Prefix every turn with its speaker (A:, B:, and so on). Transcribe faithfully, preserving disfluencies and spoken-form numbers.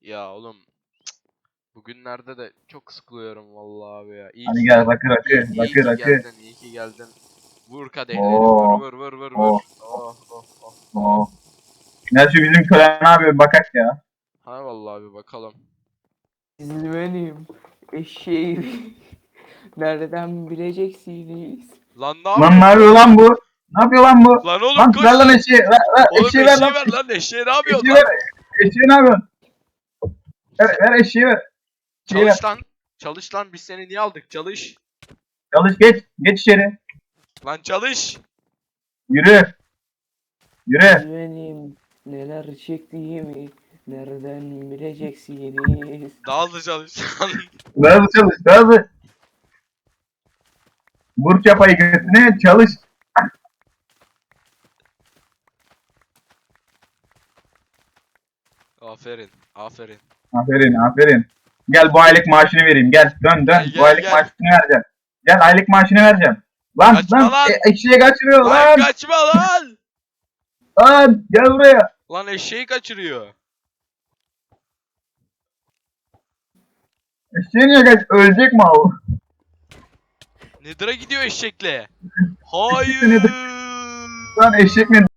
A: Ya oğlum bugünlerde de çok sıkılıyorum vallahi abi ya. İyi
B: Hadi
A: ki
B: gel
A: gel-
B: rakı rakı
A: iyi, iyi
B: rakı
A: ki
B: rakı.
A: geldin, iyi ki geldin. Vur kadehleri, vur
B: Oo.
A: vur vur vur vur.
B: Oo.
A: Oh oh oh.
B: Oo. Gel şu bizim kölen abi bir bakak ya.
A: Ha vallahi bir bakalım.
C: Siz benim eşeğim. Nereden bileceksiniz?
A: Lan ne
B: Lan ne
A: yapıyorsun
B: yapıyor
A: lan?
B: lan bu? Ne yapıyor lan bu?
A: Lan oğlum
B: Lan
A: koş
B: ver lan
A: lan.
B: eşeği. Ver, ver,
A: Oğlum
B: eşeği ver lan.
A: eşeği ver lan, eşeği ne yapıyorsun
B: Eşeği
A: lan?
B: ver. Eşeği ne yapıyorsun? Ver, ver eşeği ver. Eşeği ver.
A: Çalış lan. Çalış lan, biz seni niye aldık? Çalış.
B: Çalış geç. Geç içeri.
A: Lan çalış.
B: Yürü. Yürü.
C: Siz benim neler çektiğimi nereden bileceksiniz?
A: Daha hızlı çalış lan.
B: Daha hızlı çalış. Daha hızlı. Vur çapayı götüne çalış.
A: Aferin, aferin.
B: Aferin aferin. Gel bu aylık maaşını vereyim. Gel dön dön.
A: Gel,
B: bu
A: gel,
B: aylık
A: gel.
B: maaşını vereceğim. Gel aylık maaşını vereceğim. Lan
A: Kaçma
B: lan,
A: lan.
B: E, eşeği kaçırıyor
A: Lan
B: lan.
A: kaçma lan.
B: Lan gel buraya.
A: Lan eşeği kaçırıyor.
B: Eşeği niye kaç? Ölecek mi o?
A: Nedir'a gidiyor eşekle.
B: Nedir?
A: Hayır.
B: Lan eşek mi?